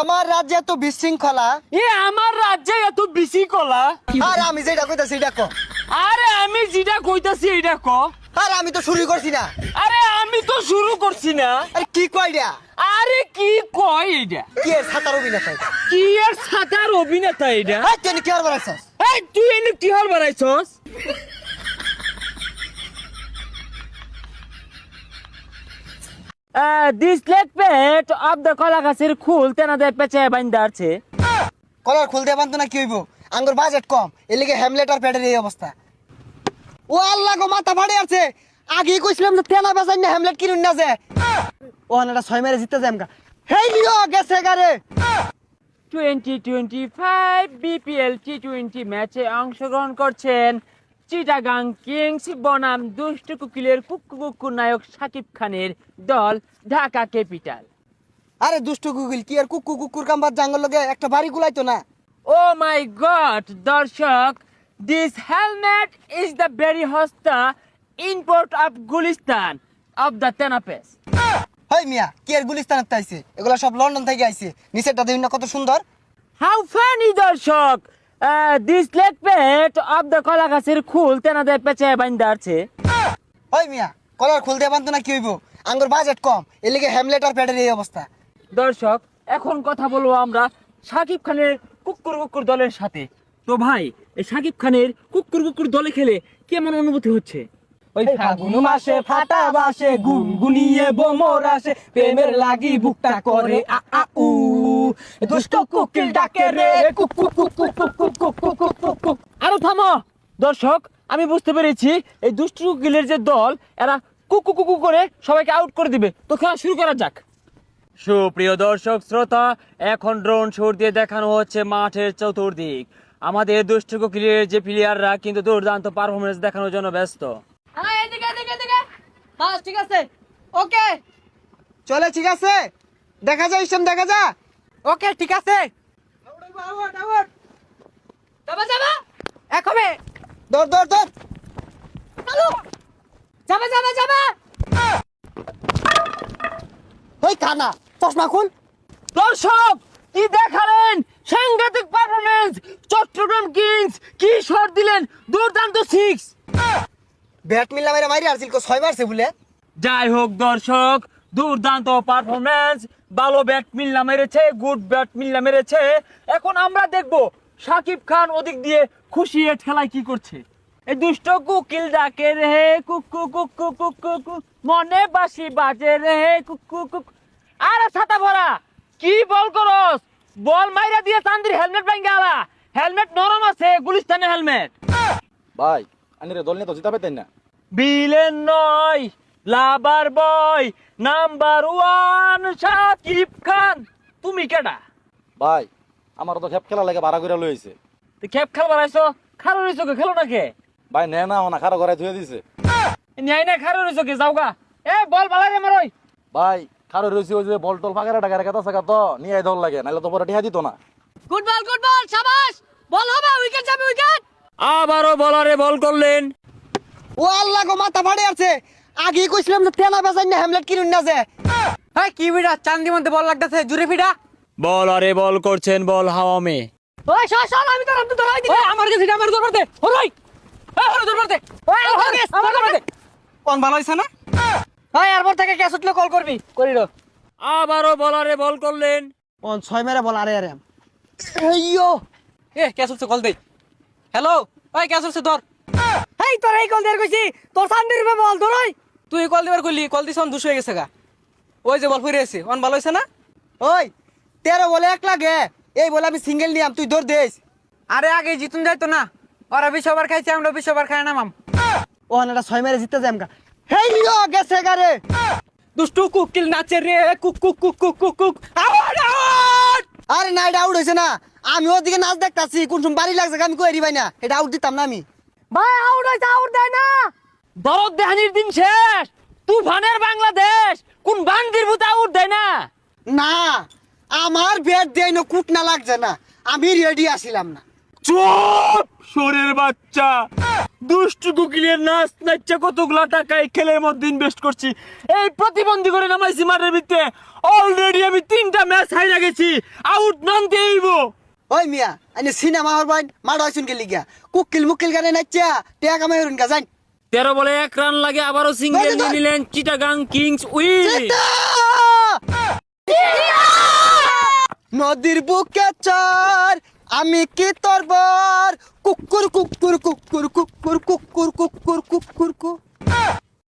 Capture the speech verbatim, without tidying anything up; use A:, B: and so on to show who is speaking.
A: আমার রাজ্যে এত বিশৃঙ্খলা,
B: এ আমার রাজ্যে এত বিশৃঙ্খলা।
A: আর আমি যেটা কইতাছি এটা কো।
B: আরে আমি যেটা কইতাছি এটা ক।
A: আর আমি তো শুরু করছি না।
B: আরে আমি তো শুরু করছি না।
A: আরে কি কইডা?
B: আরে কি কয় এটা?
A: কি এর ছাতার অভিনেতা এটা?
B: কি এর সাতার অভিনেতা এটা?
A: এই তুই কি আর বাড়াইছস?
B: এই তুই এনে কি হল বানাইছস? This let pet of the কলা গাছের খুল তেনাদের পেঁচে বাইন্দা আছে।
A: কলার খুলতে পারতো না কি হইব? আঙ্গুর বাজেট কম, এর লিগে হ্যামলেট আর প্যাডের এই অবস্থা। ও আল্লাহ গো, মাথা ফাড়ে আছে। আগে কইছিলাম যে তেনা বেচাই না হ্যামলেট কিনুন না যে। ও আনাটা ছয় মেরে জিততে যাম গা। হেই লিও গেছে গারে।
B: Twenty twenty five BPL T twenty ম্যাচে অংশগ্রহণ করছেন চিটাগাং কিংস বনাম দুষ্টু কুকিলের কুক্কু কুক্কু নায়ক শাকিব খানের দল ঢাকা ক্যাপিটাল।
A: আরে দুষ্ট গুগল কি আর কুকু কুকুর কাম্বার জাঙ্গল লগে একটা বাড়ি গুলাইতো না।
B: ও মাই গড দর্শক, this helmet is the very হস্তা import of Gulistan of the তেনাপেস।
A: হেই মিয়া, কি আর গুলিস্তানের তাইছে? এগুলা সব লন্ডন থেকে আইছে। নিচেরটা দেখুন না কত সুন্দর।
B: হাউ ফানি দর্শক, this let pet of the কলা গাছের খুল তেনাদের পেঁচে বাইন্দা আছে।
A: ওই মিয়া, কলার খুলতে পারতো না কি হইব? আঙ্গুর বাজেট কম, এর লিগে হ্যামলেট আর প্যাডের এই অবস্থা।
B: দর্শক, এখন কথা বলবো আমরা শাকিব খানের কুকুর কুকুর দলের সাথে। তো ভাই, এই শাকিব খানের কুকুর কুকুর দলে খেলে কেমন অনুভূতি হচ্ছে?
C: ওই ফাগুন মাসে ফাটা বাসে গুনগুনিয়ে বোমর আসে, প্রেমের লাগি বুকটা করে আ আ উ, দুষ্ট কুকিল ডাকে রে কুক কুক কুক কুক কুক কুক কুক কুক কুক কুক কুক।
B: আরো থামো দর্শক, আমি বুঝতে পেরেছি এই দুষ্টু কুকিলের যে দল এরা কুকু কুকু করে সবাইকে আউট করে দিবে। তো খেলা শুরু করা যাক। সুপ্রিয় দর্শক শ্রোতা, এখন ড্রোন শট দিয়ে দেখানো হচ্ছে মাঠের চতুর্দিক। আমাদের দুষ্টু কুকিলের যে প্লেয়াররা কিন্তু দুর্দান্ত পারফরমেন্স দেখানোর জন্য ব্যস্ত।
C: হ্যাঁ, এদিকে এদিকে এদিকে। বাস ঠিক আছে, ওকে
A: চলে ঠিক আছে, দেখা যায় ইসম দেখা যা।
C: ওকে ঠিক আছে। যাবা যাবা একবে
A: দৌড় দৌড় দৌড়।
C: চালু, যাবা যাবা যাবা।
A: ওই কানা, চশমা খুল।
B: দর্শক, কি দেখালেন সাংঘাতিক পারফরমেন্স! চট্টগ্রাম কিংস কি শট দিলেন, দুর্দান্ত সিক্স।
A: ব্যাট মিললা মেরে মাইরে আসছিল কো ছয় মারছে বলে।
B: যাই হোক দর্শক, দুর্দান্ত পারফরমেন্স, ভালো ব্যাট মিল্লা মেরেছে, গুড ব্যাট মিল্লা মেরেছে। এখন আমরা দেখব শাকিব খান ওদিক দিয়ে খুশি এ ঠেলায় কি করছে। এই দুষ্ট কুকিল ডাকে রে কুকু কুকু কুকু কুক, মনে বাসি বাজে রে কুকু কুক। আরে ছাতা ভরা, কি বল করস? বল মাইরা দিয়ে চান্দির হেলমেট ভাঙ্গা আলা। হেলমেট নরম আছে, গুলিস্তানের হেলমেট।
D: ভাই আনি রে দল নিয়ে তো জিতা পেতেন না।
B: বিলেন নয়, lover boy, number one Shakib Khan. তুমি কেডা?
D: ভাই আমার তো খেপ খেলা লাগে ভাড়া করে লইছে।
B: তুই খেপ খেলবার আইছো? খারো রইছো কে? খেলো না কে?
D: ভাই নে না না খারো ঘরে ধুয়ে দিছে।
B: ন্যায় না খারো রইছো কে? যাওগা। এ বল বালাই রে মারই।
D: ভাই খারো রইছে ওই যে বল টল ফাঁকা টাকা রেখা থাকা তো নিয়ে আই দল লাগে, নাহলে তো পরে টিহা দিত না।
C: Good ball good ball, শাবাশ। বল হবে, উইকেট যাবে উইকেট।
B: আবারও বলারে বল করলেন।
A: ও আল্লাহ গো, মাথা ফাড়ে আছে। আগে কইছিলাম যে তেনা বেচাই না হ্যামলেট কিনুন না যে।
C: হ্যাঁ কি বিড়া, চান্দি মধ্যে বল লাগতেছে, জুরে ফিডা।
B: বলারে বল করছেন, বল হাওয়া মে।
C: ওই সর সর, আমি তো রামতে ধরাই দিই। আমার কাছে আমার দরবার দে। ওই ওই ওই দরবার দে। ওই আমার কাছে আমার দরবার দে।
A: কোন ভালো হইছে না?
C: ওই এরপর থেকে ক্যাচ উঠলে কল করবি, করি রে।
B: আবারও বলারে বল করলেন।
A: কোন ছয় মেরে বল। আরে আরে এইয়ো,
C: এ ক্যাচ উঠছে, কল দে। হ্যালো, ওই ক্যাচ উঠছে ধর। এই তোর এই কল দেয়ার কইছি, তোর সামনে রূপে বল ধর। ওই তুই কল দিবার কইলি, কল দিছ অন দুশো হয়ে গেছে গা। ওই যে বল ফিরে এসে অন ভালো হইছে না?
A: ওই তেরো বলে এক লাগে, এই বলে আমি সিঙ্গেল নিয়াম, তুই দৌড় দেস।
C: আরে আগে জিতুন যাইতো না, ওরা বিশ ওভার খাইছে, আমরা বিশ ওভার খাই না মাম।
A: ও আনাটা ছয় মেরে জিততে যাম গা। হেই লিও গেছে গারে।
C: দুষ্টু কুকিল নাচে রে কুক কুক কুক কুক কুক কুক। Out out.
A: আরে না, এটা আউট হইছে না। আমি ওদিকে নাচ দেখতাছি, কোন সময় বাড়ি লাগছে আমি কই ভাই না, এটা আউট দিতাম না আমি।
C: ভাই আউট হইছে, আউট দেয় না।
B: দরদ দেহানির দিন শেষ, তুফানের বাংলাদেশ কোন বান্দির ভূত আউট দেয় না।
A: না, আমার ব্যাট দেয় না, কুট না লাগছে না, আমি রেডি আসিলাম না।
B: চুপ, শোরের বাচ্চা। দুষ্টু কুকিলের নাচ নাচছে কতগুলা টাকা এই খেলের মধ্যে ইনভেস্ট করছি, এই প্রতিবন্ধী করে নামাইছি মাঠের ভিতরে। অলরেডি আমি তিনটা ম্যাচ হাইরা গেছি, আউট নামতে হইব।
A: ওই মিয়া আইনে সিনেমা হর বাইন মারা হইছুন কে লিগা কুকিল মুকিল গানে নাচা টিয়া কামাই হরুন গা যাই।
B: তেরো বলে এক রান লাগে, আবারও সিঙ্গেল নিয়ে নিলেন চিটাগাং কিংস উইন।
A: নদীর বুকে চর আমি কি তোর বর কুকুর কুকুর কুকুর কুকুর কুকুর কুকুর কুকুর কুকুর